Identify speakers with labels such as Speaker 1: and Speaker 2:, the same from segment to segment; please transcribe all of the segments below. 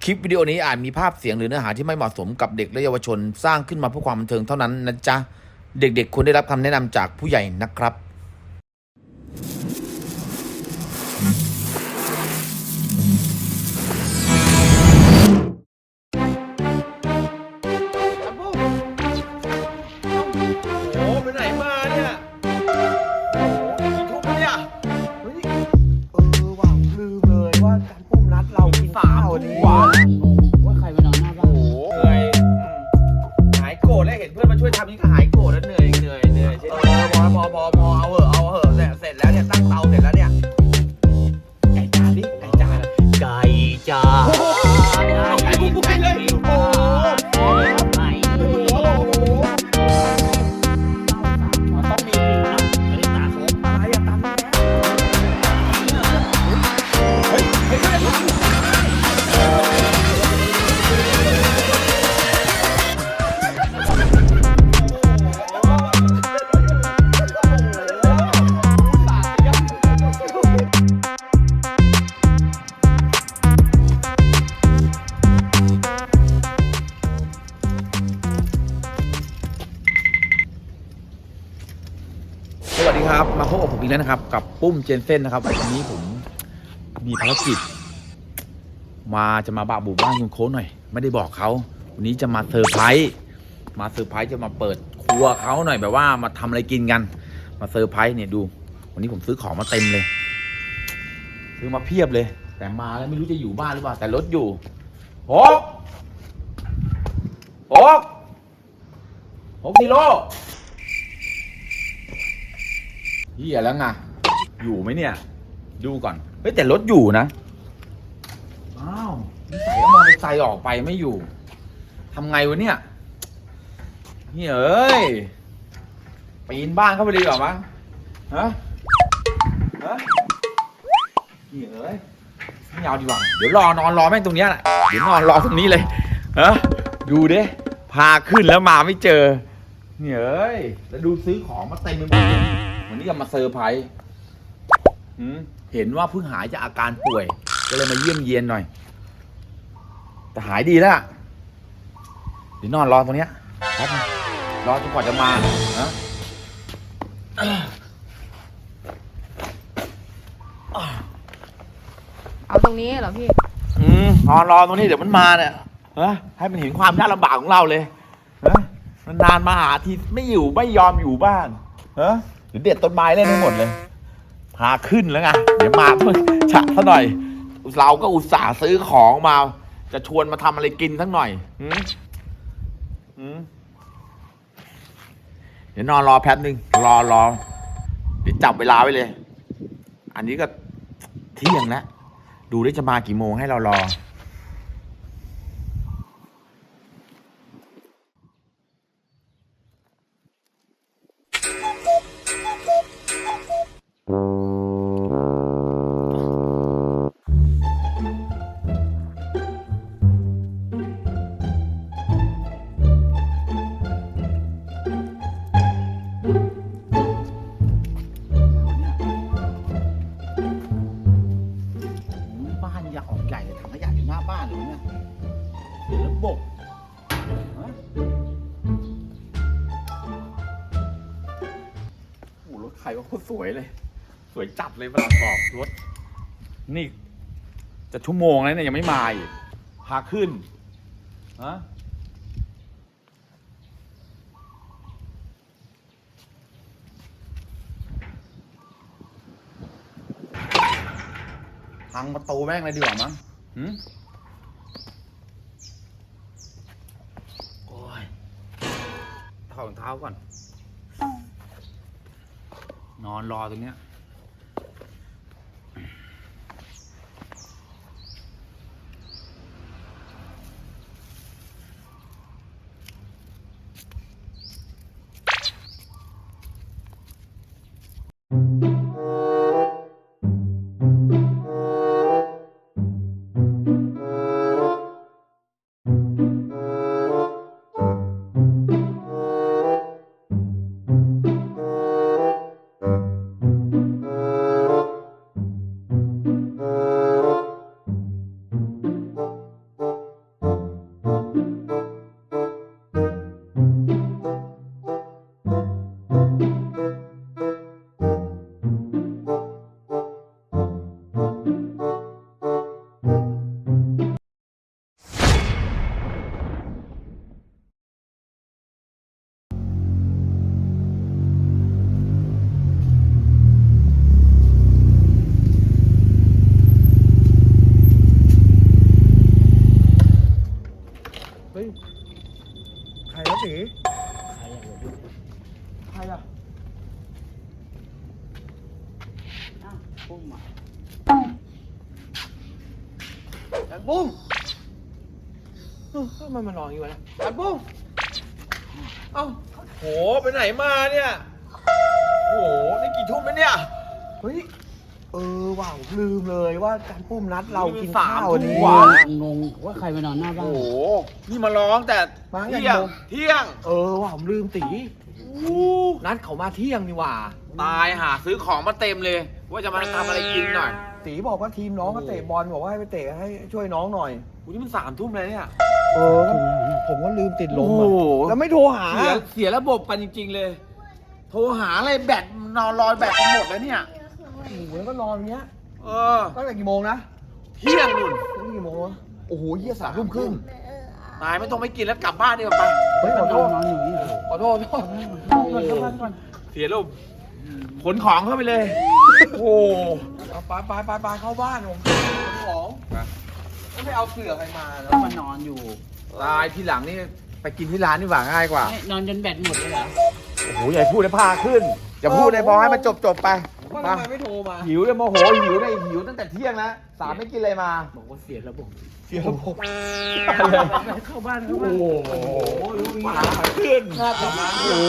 Speaker 1: คลิปวิดีโอนี้อาจมีภาพเสียงหรือเนื้อหาที่ไม่เหมาะสมกับเด็กและเยาวชนสร้างขึ้นมาเพื่อความบันเทิงเท่านั้นนะจ๊ะเด็กๆควรได้รับคำแนะนำจากผู้ใหญ่นะครับ
Speaker 2: โอ้ไปไหนมาเนี่ยโอ้กี่ทุ่มแล้วเนี่ยเฮ้ยว่ะลืมเลยว่าการปุ้มนัดเรากินข้าวดี
Speaker 3: ว่ว่าใครมานอนหน้าบ้าน
Speaker 2: โอ้เหนื่อยหายโกรธแล้วเห็นเพื่อนมาช่วยทำนี่ก็หายโกรธแล้วเหนื่อยใช่ไหมพอเอาเหอะเสร็จแล้วเนี่ยตั้งเตาเสร็จแล้วเนี่ยไก่จานดิไก่จาน
Speaker 3: ไก่จ้า
Speaker 2: ไก่บุ้ยเลยโอ้
Speaker 3: ไก่
Speaker 2: โห
Speaker 3: ต้องมีฟิวนะไม่ได้ตาเขา
Speaker 2: อะไรอะตันเฮ้ย
Speaker 1: สวัสดีครับมาพบกับผมอีกแล้วนะครับกับปุ้มเจนเซ่นนะครับวันนี้ผมมีภารกิจจะมาบะบุบ้านคุณโค้ชหน่อยไม่ได้บอกเขาวันนี้จะมาเซอร์ไพรส์จะมาเปิดครัวเขาหน่อยแบบว่ามาทำอะไรกินกันมาเซอร์ไพรส์เนี่ยดูวันนี้ผมซื้อของมาเต็มเลยซื้อมาเพียบเลยแต่มาแล้วไม่รู้จะอยู่บ้านหรือเปล่าแต่รถอยู่โอ๊กกิโลเฮียแล้วไงอยู่ไหมเนี่ยดูก่อนเฮ้ยแต่รถอยู่นะอ้าวใส่มอเตอร์ไซค์ออกไปไม่อยู่ทำไงวะเนี่ยเฮ้ยปีนบ้านเข้าไปดีกว่ามั้งฮะเฮ้ยไม่เอาดีกว่าเดี๋ยวนอนรอแม่งตรงเนี้ยแหละเดี๋ยวนอนรอตรงนี้เลยฮะดูดิพาขึ้นแล้วมาไม่เจอเฮ้ยแล้วดูซื้อของมาเต็มไปหมดเลยวันนี้จะมาเซอร์ไพรส์เห็นว่าเพิ่งหายจากอาการป่วยก็เลยมาเยี่ยมเยียนหน่อยแต่หายดีแล้วเดี๋ยวนอนรอตรงเนี้ยแป๊บนึงรอจนกว่าจะมานะ
Speaker 4: เอาตรงนี้เหรอพี่
Speaker 1: นอนรอตรงนี้เดี๋ยวมันมาเนี่ยให้มันเห็นความยากลำบากของเราเลยนานมาหาทีไม่อยู่ไม่ยอมอยู่บ้านหรือเด็ดต้นไม้เล่นให้หมดเลยพาขึ้นแล้วไงเดี๋ยวมาเพิ่งฉะซะหน่อยเราก็อุตส่าห์ซื้อของมาจะชวนมาทำอะไรกินทั้งหน่อยเดี๋ยวนอนรอแป๊บนึงรอเดี๋ยวจับเวลาไว้เลย อันนี้ก็เที่ยงแล้วดูได้จะมากี่โมงให้เรารอบ้านอยากออกใหญ่เลยถังขยะอยู่หน้าบ้านเลยเนี่ยเดี๋ยวระบบโอ้รถใครว่าโคตรสวยเลยสวยจัดเลยเวลาสอบรถนี่จะชั่วโมงแล้วเนี่ยยังไม่มาอีกพาขึ้นพังประตูแม่งเลยดีกว่ามั้งโอ้ยถอดรองเท้าก่อนนอนรอตรงเนี้ย
Speaker 3: ปุ้มอ่ะ
Speaker 2: จานปุ้มทำไมมันนอนอยู่วะเนี่ยจานปุ้มเอ้าโหไปไหนมาเนี่ยโหนี่กี่ทุ่มแล้วเนี่ยเฮ้ยว่ะผมลืมเลยว่าจานปุ้มนัดเรากินข้าววันนี้
Speaker 3: งงว่าใครมานอนหน้าบ้าน
Speaker 1: โอ้โหนี่มาร้องแต่
Speaker 2: มาไง
Speaker 1: เที่ยง
Speaker 2: โมง
Speaker 1: เที่ยง
Speaker 2: ว่ะผมลืมตีนัดเขามาเที่ยงนี่หว่า
Speaker 1: ตายหาซื้อของมาเต็มเลย ว่าจะมาทำอะไรกินหน่อย
Speaker 2: ตีบอกว่าทีมน้องก็เตะบอลบอกว่าให้ไปเตะให้ช่วยน้องหน่อย
Speaker 1: วันนี้มัน3 ทุ่มเลยเนี่ย
Speaker 2: ผมก็ลืมติดลม
Speaker 1: โอ้โห
Speaker 2: แล้วไม่โทรหา
Speaker 1: เสียระบบกันจริง ๆเลย โทรหาอะไรแบตนอนรอยแบตกันหมดแล้วเนี่ย
Speaker 2: โอ้โหแล้วก็นอนเงี้ย
Speaker 1: เออ
Speaker 2: ตั้งแต่กี่โมงนะ
Speaker 1: เที่ยงนู่น
Speaker 2: ตั้งแต่กี่โมงวะโอ้โหเยี่ย3 ทุ่มครึ่ง
Speaker 1: ตายไม่ต้องไม่กินแล้วกลับบ้านดีกว่าไป
Speaker 2: เฮ้ยขอโทษ
Speaker 3: นอนอยู่นี่
Speaker 2: ขอโทษ
Speaker 3: เข้าบ้านก่อน
Speaker 1: เสียระบบขนของเข้าไปเลย โอ้โห
Speaker 2: เอาไปเข้าบ้านผมของแล้วไม่เอาเสือใครมาแล้ว
Speaker 3: มานอนอยู่
Speaker 1: ตายทีหลังนี่ไปกินที่ร้านนี่หว่าง่ายกว่า
Speaker 3: นอนจนแบตหมดเลยเหรอ
Speaker 1: โอ้โหอย่าพูดเลยพาขึ้น อย่าพูดเลยพอให้มันจบไป
Speaker 2: ว่า
Speaker 1: มา
Speaker 2: ทำไมไม่โทรมา
Speaker 1: หิวเลยโมโหหิวเลยหิวตั้งแต่เที่ยงแล้ว3ไม่กินอะไรมา
Speaker 3: บอกว่าเสียระบบ
Speaker 2: เสียระบบ
Speaker 3: เข้าบ้าน
Speaker 1: โอ้
Speaker 3: เข้า
Speaker 1: โห
Speaker 3: บ้าน
Speaker 1: มาขึ้น
Speaker 2: หน้าต่อมา
Speaker 1: โอ้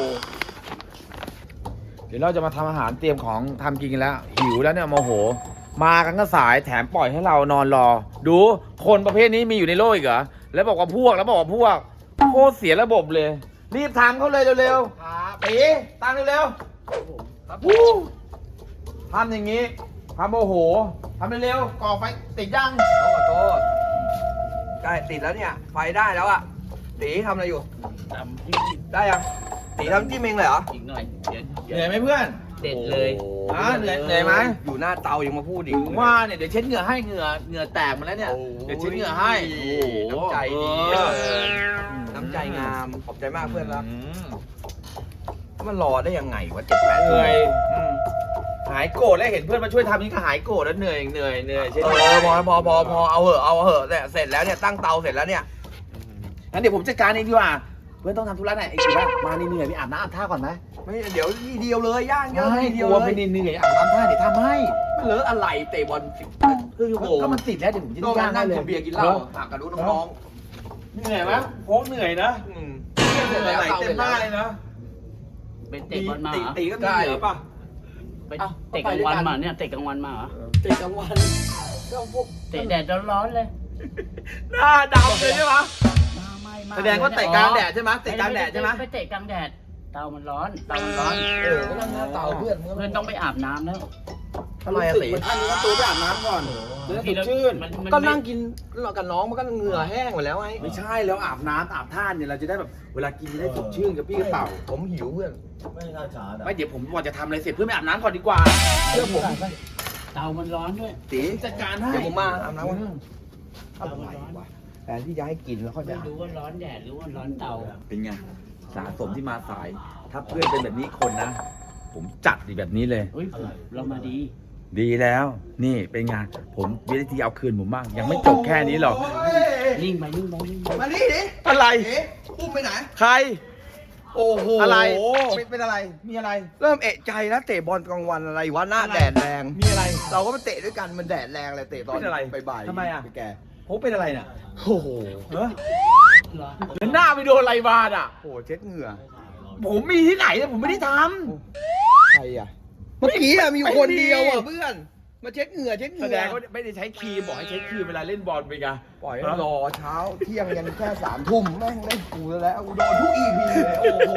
Speaker 1: เดี๋ยวเราจะมาทำอาหารเตรียมของทำกินกันแล้ว หิวแล้วเนี่ยโมโห มากันก็สายแถมปล่อยให้เรานอนรอ ดูคนประเภทนี้มีอยู่ในโลกอีกเหรอแล้วบอกว่าพวกโคตรเสียระบบเลย รีบทำเขาเลยเร็ว
Speaker 2: ครับ
Speaker 1: ๆตีตามเร็ว
Speaker 2: ครับ
Speaker 1: ๆวู้ทำอย่างนี้ทำโมโหทำเร็วๆก่อไฟติดยัง
Speaker 2: ขอโทษใกล้ติดแล้วเนี่ย ไฟได้แล้วอะตีทำอะไรอยู่
Speaker 3: ตำที่
Speaker 2: ได้ยังตีทำจิ้มเองเลยเหรอ
Speaker 3: อีกหน่อย
Speaker 1: เหนื่อยไหมเพื่อน
Speaker 3: เด็ดเลย
Speaker 1: เหนื่อยไหม
Speaker 2: อยู่หน้าเตายังมาพูดอีก
Speaker 1: ถึงว่าเนี่ยเดี๋ยวเช็ดเหงื่อให้เหงื่อแตกหมาแล้วเนี่ย
Speaker 2: โอ้
Speaker 1: เดี๋ยวเช็ดเหงื่อให้
Speaker 2: โอ้โหน้ำใจดี
Speaker 1: เออ
Speaker 2: น้ำใจงาม ขอบใจมากเพื่อนรัก
Speaker 1: อืม
Speaker 2: มันรอได้ยังไงวะ7-8
Speaker 1: เหนื่อย
Speaker 2: อืม
Speaker 1: หายโกรธแล้วเห็นเพื่อนมาช่วยทำนี่ก็หายโกรธแล้วเหนื่อยเช่น
Speaker 2: พอเอาเหอะเนี่ยเสร็จแล้วเนี่ยตั้งเตาเสร็จแล้วเนี่ย
Speaker 1: งั้นเดี๋ยวผมจัดการเองดีกว่าเพื่อนต้องทำธุระหน่อยไอ้กี่ว่ามาเหนื่อยไปอาบน้ำอาบท่าก่อนไหม
Speaker 2: ไม่เดี๋ยวทีเดียวเลยย่างเยอะ
Speaker 1: ไม่
Speaker 2: ที
Speaker 1: ก
Speaker 2: เดียว
Speaker 1: ลัว
Speaker 2: เล
Speaker 1: ไป
Speaker 2: ย
Speaker 1: เหนื่อยอาบน้ำท่าเดี๋ยวทำให้
Speaker 2: ไม่เลอะอะไรเตะบอล10 ครึ่งชั่วโมง
Speaker 1: ก็มันติดแล้วเดี๋ยวผมจะ
Speaker 2: ก็
Speaker 1: ย่าง
Speaker 2: นั่
Speaker 1: ให้
Speaker 2: ง
Speaker 1: เลย
Speaker 2: กินเบียร์กินเหล้าหากระดูน้อง
Speaker 1: เหนื่อยไหมโค้งเหนื่อยนะ
Speaker 2: ๆอืม
Speaker 1: เหนื่อยไหลเต็มหน้าเลยนะ
Speaker 3: เป็นเตะบอลมาเหรอ
Speaker 1: ตีก็มีเหนือป่ะ
Speaker 3: ไปเตะกลางวันมาเนี่ยเตะกลางวันมาเหรอ
Speaker 2: เตะกลางวันก็พวก
Speaker 3: เตะแดดร้อนๆเลย
Speaker 1: หน้าดำเลยใช่ไหม
Speaker 3: ไม่
Speaker 1: แสดงว่าเตะกลางแดดใช่ไหมเตะกลางแดดใช่ไหม
Speaker 3: ไปเตะกลางแดดเตามันร้อน
Speaker 2: ก็นั่งหน้าเตาเพื่อน
Speaker 3: เพื่อนต้องไปอาบน้ำแล้ว
Speaker 2: ทำไมอะตี
Speaker 1: อันนี้ตัวไปอาบน้ำก่อนจะได้สดชื่น
Speaker 2: ก็นั่งกินกับน้องมันก็เหงื่อแห้งหมดแล้วไง
Speaker 1: ไม่ใช่แล้วอาบน้ำอาบท่าเนี่ยเราจะได้แบบเวลากินจะได้สดชื่นกับพี่กระเต่า
Speaker 2: ผมหิวเพื่อน
Speaker 1: ไม่เดี๋ยวผมก่อนจะทำอะไรเสร็จเพื่อนไปอาบน้ำก่อนดีกว่า
Speaker 2: เชื่อผม
Speaker 3: เตามันร้อนด้วย
Speaker 2: ตี
Speaker 1: จัดการให้
Speaker 2: เดี๋ยวผมมาอาบน้ำก่อนอะไรวะแต่ที่จะให้กินแล้วค่อยไป
Speaker 3: ไม่
Speaker 2: อาบ
Speaker 3: รู้ว่าร้อนแดดหรือว่าร้อนเตา
Speaker 1: เป็นไงสะสมที่มาสาย ถ้าเพื่อนเป็นแบบนี้คนนะ ผมจัดดีแบบนี้เลย
Speaker 3: เฮ้ยเรามาดี
Speaker 1: ดีแล้ว นี่เป็นไงผมวิธีเอาคืนผมบ้างยังไม่จบแค่นี้หรอก
Speaker 3: นิ่งไปนิ่งไปนิ่งไป
Speaker 2: มานี่ดิ
Speaker 1: อะไร
Speaker 2: ปุ้มไปไหน
Speaker 1: ใคร
Speaker 2: โอ้โห
Speaker 1: อะไร
Speaker 2: เป็นอะไร
Speaker 1: มีอะไร
Speaker 2: เริ่มเอะใจแล้วเตะบอลกลางวันอะไรวะหน้าแดดแรง
Speaker 1: มีอะไร
Speaker 2: เราก็ไปเตะด้วยกันมันแดดแรงเลยเตะตอน
Speaker 1: เป็นอะไร
Speaker 2: บ่ายๆ
Speaker 1: ทำไมอะ
Speaker 2: ปแก
Speaker 1: ผมเป็นอะไรเนี่ย
Speaker 2: โอ้โห
Speaker 1: เฮ้ย
Speaker 3: ร้อน
Speaker 1: แล้วหน้าไปโดนอะไรมาอ่ะ
Speaker 2: โอ้โหเช็ดเหงื่อ
Speaker 1: ผมมีที่ไหนเนี่ยผมไม่ได้ท
Speaker 2: ใครอ่ะเมื่อกี้อะมีอยู่คนเดียวอ่ะเพื่อนมาเช็ดเหงื่อเช็ดเห
Speaker 1: ำแส
Speaker 2: งื่
Speaker 1: ด
Speaker 2: อง
Speaker 1: ว่าไม่ได้ใช้ครีมบอกให้ใช้ครีมเวลาเล่นบอลไปไง
Speaker 2: ปล่อยให้รอเช้าเที่ยงยันแค่3 ทุ่มแม่งเล่นกูแล้วกูโดนทุก EP เลยโอ้โห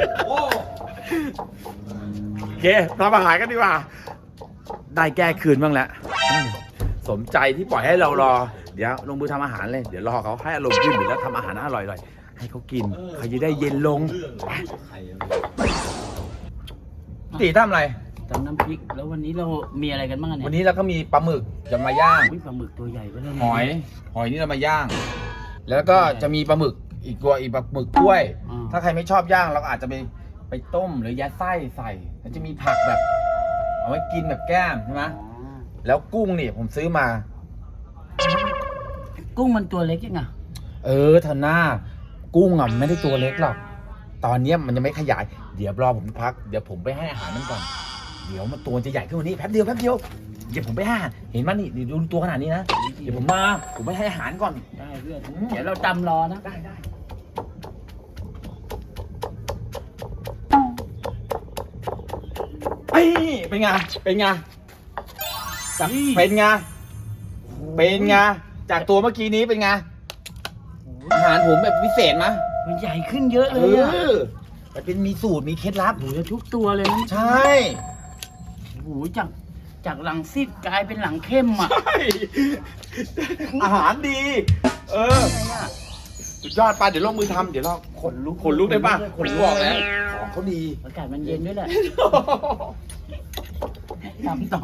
Speaker 1: โอเคทำอาหารกันดีกว่า ได้แก้คืนบ้างแล้วสมใจที่ปล่อยให้เรารอ เดี๋ยวลงมือทำอาหารเลย เดี๋ยวรอเขาให้อารมณ์ขึ้นเดี๋ยวแล้วทำอาหารอร่อยๆให้เขากินเขาจะได้เย็นลงตีทำอะไร
Speaker 3: ตำน้ำพริกแล้ววันนี้เรามีอะไรกันบ้างอะเนี่ย
Speaker 1: วันนี้เราก็มีปลาหมึกจะมาย่าง
Speaker 3: อุ๊ยปลาหมึกตัวใหญ่ก็เลย
Speaker 1: หอยนี่เรามาย่าง แล้วก็จะมีปลาหมึกอีกตัวอีกปลาหมึกกล้วย ถ้าใครไม่ชอบย่างเราก็อาจจะไปต้มหรือยัดไส้ใส่แล้วจะมีผักแบบ เอาไว้กินแบบแก้มใช่ไหม
Speaker 3: อ๋อ
Speaker 1: แล้วกุ้งนี่ผมซื้อมา
Speaker 3: กุ้งมันตัวเล็กยังไง
Speaker 1: ธนากุ้งอ่ะมันไม่ได้ตัวเล็กหรอกตอนเนี้ยมันยังไม่ขยาย เดี๋ยวรอผมพักเดี๋ยวผมไปให้อาหารมันก่อน เดี๋ยวมันตัวจะใหญ่ขึ้นกว่านี้แป๊บเดียวเดี๋ยวผมไปหาเห็นมันนี่ดูตัวขนาดนี้นะเดี๋ยวผมไปให้อาหารก่อน
Speaker 3: ได้เพื่อนเดี๋ยวเราจำรอนะ
Speaker 1: ได้เอ้ยเป็นไงเป็นไงเป็นไงเป็นไงจากตัวเมื่อกี้นี้เป็นไงอาหารผมแบบพิเศษมั้ย
Speaker 3: มันใหญ่ขึ้นเยอะเลยอ่ะ
Speaker 1: มันเป็นมีสูตรมีเคล็ดลับ
Speaker 3: โอ้โหทุกตัวเลยนะ
Speaker 1: ใช่
Speaker 3: โอ้โหจากหลังซีดกลายเป็นหลังเข้มอ่ะ
Speaker 1: ใช่อาหารดี สุดยอดป่ะเดี๋ยวลงมือทำเดี๋ยวเราขนลุกได้ป่ะขนลุกออกแล้วของเขาดี
Speaker 3: อากาศมันเย็นด้วยแหละทำต่อ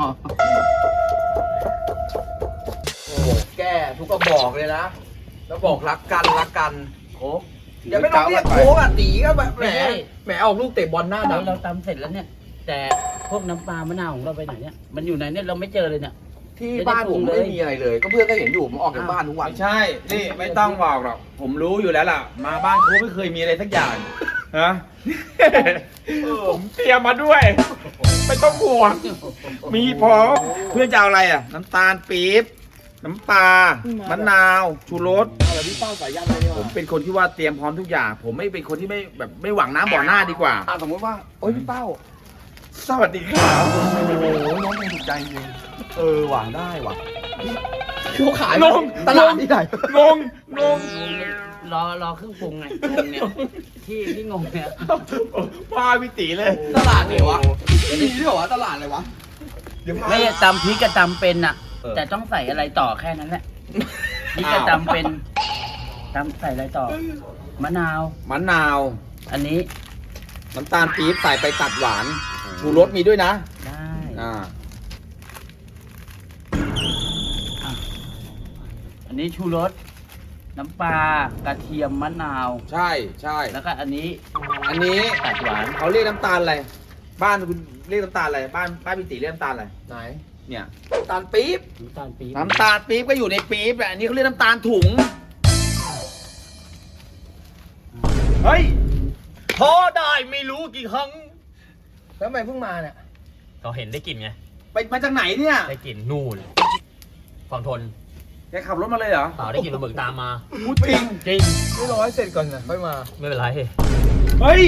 Speaker 2: โอ้โหแก้ทุกกระบอกเลยนะแล้วบอกรักกันโอ้อย่าไม่ต้องเรียกโค้กอ่ะตีก็แบบแหมออกลูกเตะบอลหน้า
Speaker 3: เรา
Speaker 2: ดำ
Speaker 3: ตำเสร็จแล้วเนี่ย แต่พวกน้ำปลามะนาวของเราไปไหนเนี่ยมันอยู่ไหนเนี่ยเราไม่เจอเลยเนี่ย
Speaker 2: ที่บ้านผมไม่มีอะไรเลย ก็เพื่อนก็เห็นอยู่ผมออกจากบ้านทุกวัน
Speaker 1: ไม่ใช่นี่ไม่ต้องบอกหรอกผมรู้อยู่แล้วล่ะ มาบ้านเขาไม่เคยมีอะไรสักอย่างฮะผมเตรียมมาด้วยไม่ต้องห่วงมีพร้อมเพื่อนจะเอาอะไรอ่ะน้ำตาลปี๊บน้ำปลามะนาวชูรส
Speaker 2: อะไรพี่เป้าสายยันเลยเนี่ย
Speaker 1: ผมเป็นคนที่ว่าเตรียมพร้อมทุกอย่าง ผมไม่เป็นคนที่ไม่หวังน้ำบ่อหน้าดีกว่า
Speaker 2: สมมติว่าโอ้ยพี่เป้า
Speaker 1: สวัสดีครับ
Speaker 2: โอ้โหน้องคงถูกใจจริงหวานได้ว่ะเขาขาย
Speaker 1: งง
Speaker 2: ตลาดที่ไหน
Speaker 1: งง
Speaker 3: รอเครื่องปรุงไงงงเนี่ยที่งงเนี่ย
Speaker 1: ป้าพี่ตีเลย
Speaker 2: ตลาดไหนวะมีด้วยเหรอวะตลาดอะไรวะเดี๋ยวพา
Speaker 3: ไม่ตำพริกกับตำเป็นอ่ะ แต่ต้องใส่อะไรต่อแค่นั้นแหละพริกกับตำเป็นตำใส่อะไรต่อ มะนาว
Speaker 1: มะนาว
Speaker 3: อันนี้
Speaker 1: น้ำตาลปี๊บใส่ไปตัดหวาน ชูรสมีด้วยนะ
Speaker 3: ได้ อันนี้ชูรสน้ำปลากระเทียมมะนาว
Speaker 1: ใช่ใช่
Speaker 3: แล้วก็อันนี้
Speaker 1: อันนี้
Speaker 3: ตัดหวาน
Speaker 1: เขาเรียกน้ำตาลอะไร บ้านคุณเรียกน้ำตาลอะไร บ้านพี่ตีเรียกน้ำตาลอะไร
Speaker 2: ไหน
Speaker 1: เนี่ย
Speaker 2: ตาลปี๊บ
Speaker 3: น้ำตาลปี๊บ
Speaker 1: น้ำตาลปี๊บก็อยู่ในปี๊บแหละอันนี้เขาเรียกน้ำตาลถุง เฮ้ย
Speaker 4: พอได้ไม่รู้กี่ครั้ง
Speaker 2: แล้วทำไมเพิ่งมาเนี่ย
Speaker 4: เราเห็นได้กลิ่นไง
Speaker 1: ไปมาจากไหนเนี่ย
Speaker 4: ได้กลิ่นนู่นฝั่งทน
Speaker 1: แกขับรถมาเลยเหรอ
Speaker 4: เปล่าได้กลิ่นปลาหมึกตามมา
Speaker 1: พูดจริง
Speaker 4: จริง
Speaker 2: ไม่รอให้เสร็จก่อนนะค่อยมา
Speaker 4: ไม่เป็นไร
Speaker 1: เฮ้ย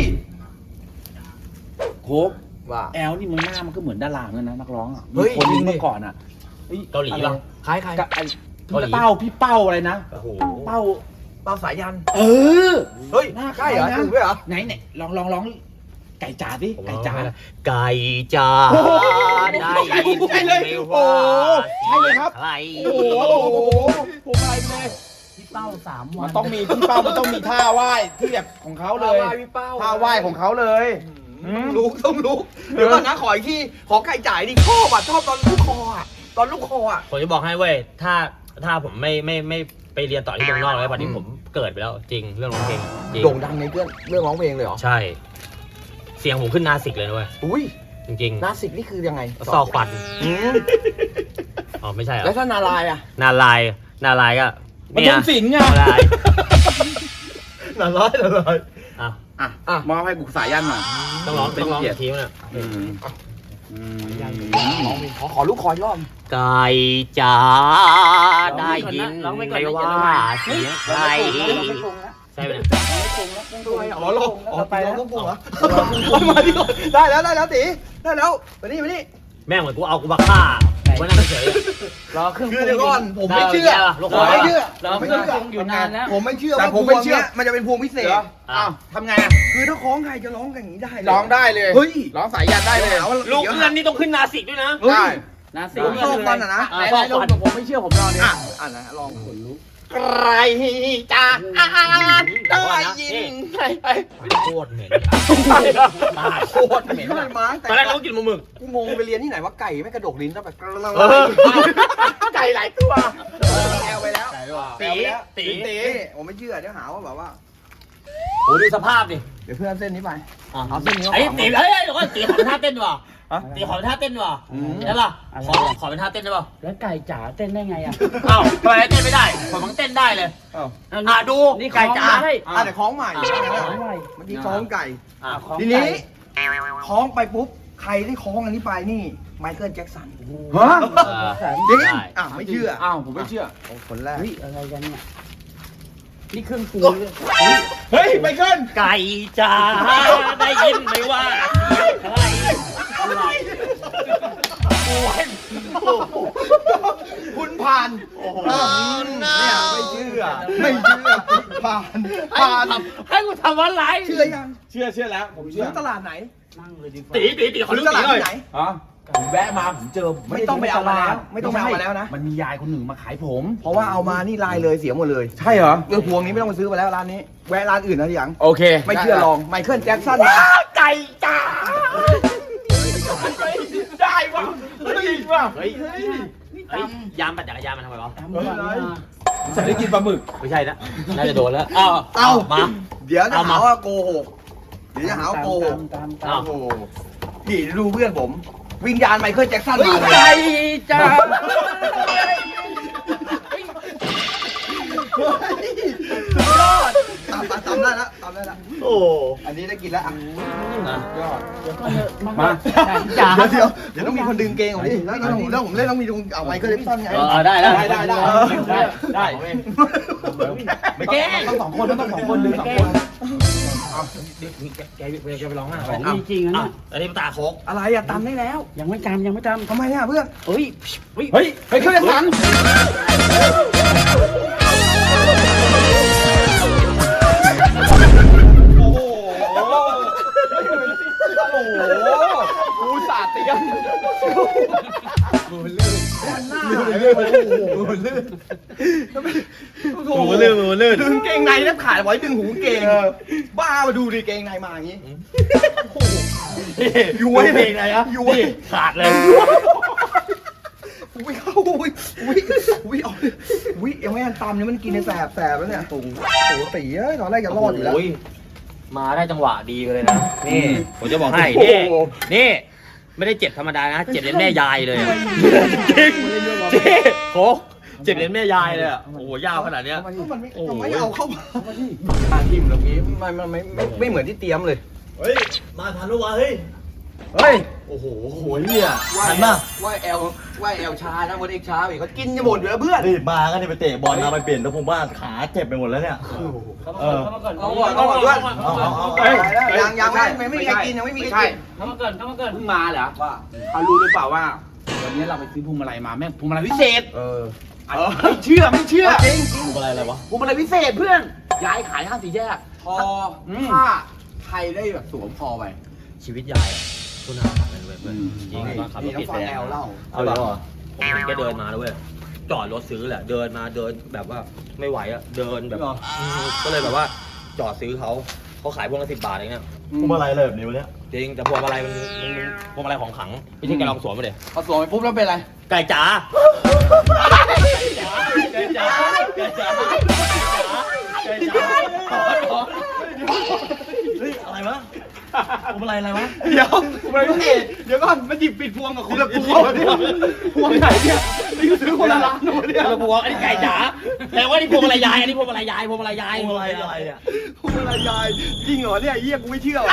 Speaker 1: โคบ
Speaker 2: ว่า
Speaker 1: แอลนี่มึงหน้ามันก็เหมือนดาราเหมือนกันนะนักร้องอ่ะ
Speaker 2: เฮ้ย
Speaker 1: มีคนหนึง
Speaker 2: จริงดิ
Speaker 1: เมื่อก่อนอ่ะฮ้ย
Speaker 4: เกาหลีป่ะ
Speaker 2: คล้ายใคร
Speaker 1: กับไอ้
Speaker 4: เกาหลี
Speaker 1: พี่เป้าอะไรนะ
Speaker 4: โอ้โห
Speaker 1: เป้า
Speaker 2: เป้าสายยัน
Speaker 1: เออ
Speaker 2: เฮ้ย
Speaker 1: หน้า
Speaker 2: ใช่เหรอ
Speaker 1: คล้ายนะ
Speaker 2: ถูกด้วยเหรอ
Speaker 1: ไหนเนี่ยลองไก่จ๋าดิ
Speaker 4: ผม
Speaker 1: ไก่
Speaker 4: ร้อง
Speaker 1: จ๋า
Speaker 4: ไม่ได้ไก่จ้า
Speaker 1: โอ้โห
Speaker 4: ได้ยิน
Speaker 1: ใช่เลย
Speaker 4: ไม่
Speaker 1: โอ้โห
Speaker 4: ว่า
Speaker 1: ใช่เลยครับ
Speaker 4: ใคร
Speaker 1: โอ้โหผมอะไรเลย
Speaker 3: พี่เป้า3 วั
Speaker 1: มัน นต้องมีพี่เป้ามันต้องมีท่าไหว้ที่แบบของเขาเลย
Speaker 2: ท่าไหว้พี่เป้า
Speaker 1: ท่าไหว้ของเขาเลยอืม
Speaker 2: ต้องรู้เดี๋ยวก่อนนะขออีกทีขอไก่จ่ายดิชอบอ่ะชอบตอนลูกคออ่ะตอนลูกคออ่ะ
Speaker 4: ผมจะบอกให้เว้ยถ้าผมไม่ไปเรียนต่อที่เมืองนอกเลยวันนี้ผมเกิดไปแล้วจริงเรื่องร้องเพลงจริง
Speaker 2: โด่งดังในเรื่องร้องเพลงเลยเหรอ
Speaker 4: ใช่ เสียงผมขึ้นนาสิกเลยนะเว้ย
Speaker 2: อุ้ย
Speaker 4: จริง
Speaker 2: นาสิกนี่คือยังไง
Speaker 4: ๆซอกฟัน
Speaker 2: อืม
Speaker 4: อ๋อไม่ใช่เหรอ
Speaker 2: แล้วถ้านาลายอ่ะ
Speaker 4: นาลายก็
Speaker 1: มัน
Speaker 4: เนี่
Speaker 1: ท
Speaker 4: ย
Speaker 1: งศิลป์ไง
Speaker 4: นาลาย
Speaker 2: นาลาย
Speaker 4: อ่ะ
Speaker 1: อ่ะมอบให้กูสายยันหน่อย
Speaker 4: ต้องร้อง
Speaker 1: เป็น
Speaker 4: ต้องร้อง
Speaker 1: เกียรติ
Speaker 4: ทีมเนี่ย
Speaker 1: อืมอืม
Speaker 2: ขอลูกคอยรอบ
Speaker 4: ไก่จ๋าได้ยิน
Speaker 3: ร้องไปก่อน
Speaker 4: ไม่
Speaker 3: นะ
Speaker 4: ว่า
Speaker 3: เดี๋ยวเรามา
Speaker 4: เสียงใคร
Speaker 3: เราไม่ปรุงแล้ว
Speaker 4: ใช่ไหมเนี่ย
Speaker 3: ไม่ปรุงแล้วไม่ปรุงแล้ว
Speaker 2: อ๋อรอ
Speaker 3: เราไปแล้ว
Speaker 2: ต้องปรุงเหรอมาดิได้แล้วตีได้แล้วมานี่
Speaker 4: แม่งเหมือนกูเอากูบักฆ่าวันนั้นเฉย
Speaker 3: รอเครื่องป
Speaker 2: คื
Speaker 3: รุ
Speaker 2: อง เดี๋ยวก่อนผมไม่เชื่อ
Speaker 4: ลูก
Speaker 2: ผ
Speaker 4: คอ
Speaker 2: มไม่เชื่อ
Speaker 3: รอเครื่องปรุงอยู่นานแล้ว
Speaker 2: ผมไม่เชื่อ
Speaker 1: แต่
Speaker 2: ว่า
Speaker 1: ผมไม่เชื่อ
Speaker 2: พวงนี่ยมันจะเป็นพวงพิเศษ
Speaker 1: เหรออ้าวทำไงอ่ะ
Speaker 2: คือถ้าคล้องใครจะร้องอย่างนี้ได้เลย
Speaker 1: ร้องได้เลย
Speaker 2: เฮ้ย
Speaker 1: ร้องสายยันได้เลย
Speaker 4: ลูกเงินนี่ต้องขึ้นนาสิกด้วยนะ
Speaker 2: เฮ้ย
Speaker 1: ได้
Speaker 3: นะสิ
Speaker 2: ผมชอบฟันอ่ะนะ
Speaker 3: ไหนๆลองผมไม่เชื่อผมลองดิ
Speaker 2: อ่ะนะลอง
Speaker 1: ใครจะได้ยินใคร
Speaker 4: โคตรเหม็น
Speaker 2: ตายโคตรเหม็นเลยมา
Speaker 4: ตอนแรกเรากินหมูหมึก
Speaker 2: กูงงไปเรียนที่ไหนว่าไก่ไม่กระดกลิ้นแล้วแบบ
Speaker 1: ไก่หลายตัว
Speaker 2: แอลไปแล้ว
Speaker 4: ตีตี
Speaker 2: ตีผมไม่เชื่อเดี๋ยวหาว่าแบบว่า
Speaker 4: โอ้ดูสภาพดิ
Speaker 2: เดี๋ยวเพื่อนเส้นนี้ไป
Speaker 4: อ่ะ
Speaker 2: เอาเส้นนี้
Speaker 4: ไอ้ตีเฮ้ยเดี๋ยวก่อนตีขอเป็นท่าเต้นว่ะตีขอเป็นท่าเต้นว่ะได้ป่ะขอเป็นท่าเต้นได้ป่ะ
Speaker 3: แล้วไก่จ๋าเต้นได้ไงอ่ะ
Speaker 4: อ้าวทำไมเต้นไม่ได้ผมมันเต้นได้เลยดู
Speaker 3: นี่
Speaker 4: ไก่จ๋า
Speaker 3: ได้
Speaker 2: เดี๋ยวคล้องใหม่
Speaker 3: ของใหม่
Speaker 2: เมื่อกี้คล้องไก่
Speaker 4: อ่ะ
Speaker 3: ของ
Speaker 2: ทีนี้
Speaker 3: ไก่
Speaker 2: คล้องไปปุ๊บใครที่คล้องอันนี้ไปนี่ไมเคิลแจ็คสัน
Speaker 1: ฮะ
Speaker 2: จริง
Speaker 4: ได้
Speaker 2: อ่ะไม่เชื่อ
Speaker 1: อ้าวผมไม่เชื่อ
Speaker 2: คนแรก
Speaker 3: เฮ้ยอะไรกันเนี่ยนี่เครื่องปรุงเลย
Speaker 1: เฮ้ยไมเคิล
Speaker 4: ไก่จ้าได้ยินไหมว่าเสียงใครอะไร
Speaker 2: คุณผ่านเนี่ยไม่เชื่อผ่าน
Speaker 4: ให้กูทำอะไร
Speaker 2: เชื่อยัง
Speaker 1: เชื่อแล้วผมเชื่
Speaker 2: ซื้
Speaker 1: อ
Speaker 2: อตลาดไหน
Speaker 3: นั่งเลยดีกว่า
Speaker 4: ตีขอ
Speaker 2: ซื้
Speaker 4: รู้
Speaker 2: อต
Speaker 4: ตี
Speaker 2: ลาด
Speaker 4: หน่อย
Speaker 2: ที่ไหน
Speaker 1: อ๋อผมแวะมาผมเจอ
Speaker 2: ไม่ต้องไปเอามาแล้วไม่ต้องไปเอามาแล้วนะ
Speaker 1: มันมียายคนหนึ่งมาขายผม
Speaker 2: เพราะว่าเอามานี่ลายเลยเสียหมดเลย
Speaker 1: ใช่เหรอ
Speaker 2: เรื่องพวงนี้ไม่ต้องไปซื้อมาแล้วร้านนี้แวะร้านอื่นนะทีหลัง
Speaker 1: โอเค
Speaker 2: ไม่เชื่อลองไมเคิลแจ็คสันมา
Speaker 1: ไก่จ้าได้วะจริงวะ
Speaker 4: เฮ้ยยามปั่นจักรยานมันทำไมวะ
Speaker 3: ตามก่อนนะ
Speaker 1: ใส่ได้กินปลาหมึก
Speaker 4: ไม่ใช่นะน่าจะโดนแล้วอ้าว
Speaker 2: เอา
Speaker 4: มา
Speaker 2: เดี๋ยวจะ
Speaker 4: เอามา
Speaker 2: หาว่าโกหกเดี๋ยวจะหาว่าโกหก
Speaker 3: ตาม
Speaker 2: โอ้โหพี่ดูเพื่อนผม วิญญาณไมเคิลแจ็คสันมาเลย
Speaker 3: ไก่จ้า
Speaker 2: ตามได้แล้วตามได้แล้ว
Speaker 4: โอ้
Speaker 2: อันนี้ได้กินแล้วอ่ะ
Speaker 1: ยอด
Speaker 3: เดี๋ยวก่อนเถอะ
Speaker 1: มา
Speaker 3: ไก่จ้า
Speaker 2: เดี๋ยวต้องมีคนดึงเกงของพี่แล้วผมเล่นต้องมีดึงเอาไมเคิลแจ็คสันไง
Speaker 4: ได้
Speaker 1: ได้ไม่แก้ต้องสองคนต้องสองคนดึงสองคน
Speaker 4: แกไปร้องอ่ะ
Speaker 3: ของมีจริงนะเนี่ย
Speaker 4: อันนี้มันตาโคก
Speaker 2: อะไรอะตามได้แล้ว
Speaker 3: ยังไม่จำ
Speaker 2: ทำไมอะเพื่อน
Speaker 3: เฮ้ย
Speaker 1: เฮ้ยเครื่องสันโอ้โหโอ้โหกูสาดเตียง
Speaker 2: ลื่นดึงเกงในแทบขาดไว้ดึงหูเกงบ้ามาดูดิเกงในมาอย่างนี้
Speaker 4: ย้วยเพลงไหนอะย้วยขาดเลย
Speaker 2: อุ้ยเข้าอุ้ยยังไม่ทันตำเนี่ยมันกินในแสบแล้วเนี่ยโอ้โหตีเอ้ยตอนแรกจะรอดอยู่แล้ว
Speaker 4: มาได้จังหวะดีเลยนะนี่ผมจะบอกให้นี่ไม่ได้เจ็บธรรมดานะเจ็บเล่นแม่ยายเลยจริงโคกเจ็บเล่นแม่ยายเลยอ่ะโอ้โหยาวขนาดเนี้ย
Speaker 2: มันไม่เอาเข้ามาทิมตรงนี้มันไม่เหมือนที่เตรียมเลย
Speaker 5: เฮ้ย มาทันแล้ววะเฮ้ย
Speaker 2: เฮ้ย
Speaker 5: โอ้โหโหยเนี่ยทันมาก
Speaker 2: ว่าแอลช้านะวันเอกช้าอีกเขากินจะหมดอยู่แล้วเพื่อน
Speaker 5: รีบมากันเนี่ยไปเตะบอลมาไปเปลี่ยนแล้วผมว่าขาเจ็บไปหมดแล้วเนี่ย
Speaker 3: เข้ามาก่อน
Speaker 2: เอาก่อนด้วยยังไม่มีใครกินยังไม่มีใครกิน
Speaker 3: เข้ามาก่อน
Speaker 1: เพิ่งมาเหรอว่าเขารู้หรือเปล่าว่าวันนี้เราไปซื้อพวงมาลัยมาแม่งพวงมาลัยพิเศษไม่เชื่อ
Speaker 2: จริง
Speaker 5: อะไรวะ
Speaker 1: พวงมาลัยพิเศษเพื่อนย้ายขายห้างสี่แยก
Speaker 2: พอ
Speaker 1: ถ้าใครได้แบบสวมพอไป
Speaker 4: ชีวิตยายคุณอาขับเป็นเว้ยจริงตอนขับร
Speaker 2: นี่
Speaker 4: ถ
Speaker 2: ต้อ
Speaker 4: ติ
Speaker 2: ง
Speaker 4: ด
Speaker 2: ฟัง
Speaker 4: แด
Speaker 2: แอง ลเล่า
Speaker 5: เอาเลยเหรอ
Speaker 4: ผมเห็นแกเดินมาแล้วเว้ยจอดรถซื้อแหละเดินแบบว่าไม่ไหวอะเดินแบบก็เลยแบบว่าจอดซื้อเขาขายพวงละ10 บาทเองเนี่ย
Speaker 5: พวงมาลัยอะไรแบบนี้วะเนี่ย
Speaker 4: จริงแต่พวงมาลัยมันพวงมาลัยของขลังไม่ใช่แกลองสวมมาเลย
Speaker 2: พอสวมไปปุ๊บแล้วเป็นไร
Speaker 4: ไก่จ๋า
Speaker 5: เฮ้ย อะไรวะพวงมาลัยอะไรวะ
Speaker 2: เดี๋ยวพวงมาลัยพิเศษเดี๋ยวก่อนมันหยิบปิดพวงกับคุณละพวงเนี่ยพวงไหนเนี่ยนี่ซื้อคนละร้านนู่นเนี่ย
Speaker 4: พวงอันนี้ไก่จ๋าแต่ว่านี่พวงมาลัยยายอันนี้พวงมาลัยยาย
Speaker 5: พวงมาลัยอะไรเนี่ย
Speaker 2: พวงมาลัยยายจริงเหรอเนี่ยเยี่ยกูไม่เชื่อ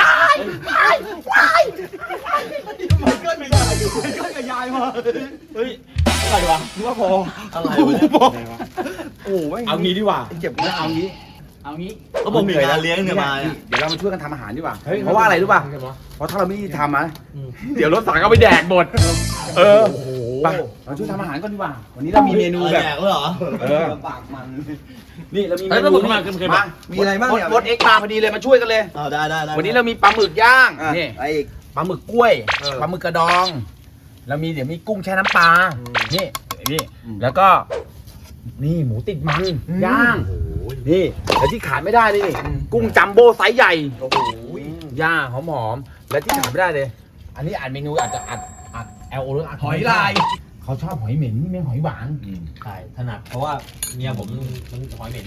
Speaker 2: มันเกิดกับยายมา
Speaker 5: เฮ้ย อะไรวะ
Speaker 2: นึกว่าพอ
Speaker 5: อะไรวะเนี่ย
Speaker 2: โอ้ย
Speaker 1: เอางี้ดีกว่า
Speaker 2: เจ็บนะ
Speaker 1: เอางี้
Speaker 5: เขาบอกมีงานเลี้ยงเนี่ยมาเนี่ย
Speaker 1: เดี๋ยวเรามาช่วยกันทำอาหารดีกว่าเพราะว่าอะไรรู้ป่ะเพราะถ้าเราไม่ทำนะเดี๋ยวรถสั่งเอาไปแดกหมดไปเราช่วยทำอาหารก่อนดีกว่าวันนี้เรามีเมนูแบบ
Speaker 5: แดกแล้วเหรอ
Speaker 2: ปากมัน
Speaker 1: นี่เรามีเม
Speaker 4: เฮ้ย
Speaker 1: นู
Speaker 4: ผม
Speaker 1: นี่
Speaker 4: มา
Speaker 2: มีอะไรบ้างเนี่ย
Speaker 1: รถเอ็กมาพอดีเลยมาช่วยกันเลย
Speaker 5: เอาได้
Speaker 1: วันนี้เรามีปลาหมึกย่าง
Speaker 2: นี่
Speaker 1: นี่
Speaker 2: ไอ้อีก
Speaker 1: ปลาหมึกกล้วย
Speaker 2: เออ
Speaker 1: ปลาหมึกกระดองเรามีเดี๋ยวมีกุ้งแช่น้ำปลานี่นี่
Speaker 2: อืม
Speaker 1: แล้วก็ นี่หมูติดมันย่างนี่แล้วที่ขาดไม่ได้นี่กุ้งจัมโบ้ไซส์ใหญ่
Speaker 2: โอ้โห
Speaker 1: ย่างหอมๆและที่ขาดไม่ได้เลย อันนี้อ่านเมนูอาจจะอัดL O หรืออัด
Speaker 2: หอยลาย
Speaker 1: เขาชอบหอยเหม็นนี่ไม่หอยหวาน
Speaker 4: ใช่ถนัดเพราะว่าเมียผมมันหอยเหม็น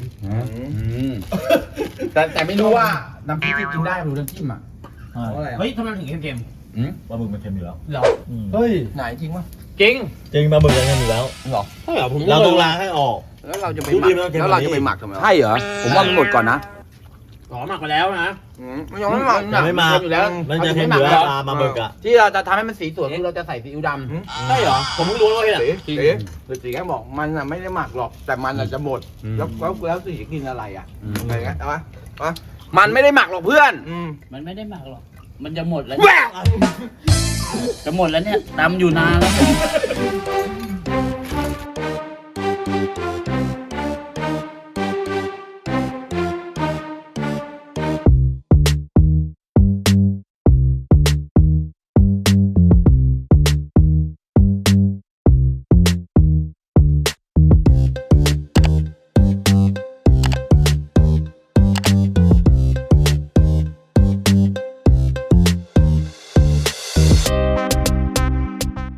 Speaker 1: แต่ไม่รู้ว่าน้ำพริกที่กินได้หรือน้ำจิ้มอ่ะ
Speaker 2: เพราะอะไร
Speaker 4: เฮ้ยทำไมถึงเค็ม
Speaker 5: ปลาหมึกมันเค็มอยู่แล้ว
Speaker 4: ๆเหรอ
Speaker 5: เฮ้ย
Speaker 2: ไหนจริงวะ
Speaker 4: จริง
Speaker 5: จริงปลาหมึกยังเค็มอยู่แล้ว
Speaker 4: ใช่เหรอผม
Speaker 5: เราต้องล้างให้ออก
Speaker 2: แล้วเราจะไป
Speaker 5: ดู
Speaker 2: หมั
Speaker 5: ดิ
Speaker 2: ก
Speaker 5: มันเค็ม
Speaker 2: แล้วเราจะไปหมักทำไมวะ
Speaker 1: ใช่เหรอผมว่ามันหมดก่อนนะ
Speaker 3: ขอหมักไปแล้วนะ
Speaker 2: มันยังไม่หมัก
Speaker 5: ยังไม่หมัก
Speaker 2: อยู่แล้ว
Speaker 5: มันจะแค่เนื้อปลามาเบิกอะ
Speaker 2: ที่เราจะทำให้มันสีสวยคือเราจะใส่ซีอิ๊วดำ
Speaker 4: ใช่เหรอ ผมเพิ่งรู้ว่าเนี่ย
Speaker 2: สีแกบอกมันอ่ะไม่ได้หมักหรอกแต่มันอ่ะจะหมดแล้วสีจะกินอะไรอ่ะอะไรเงี้ยเอาปะมันไม่ได้หมักหรอกเพื่อน
Speaker 3: มันไม่ได้หมักหรอก มันจะหมดแล้วจะหมดแล้วเนี่ยตำอยู่นานแล้ว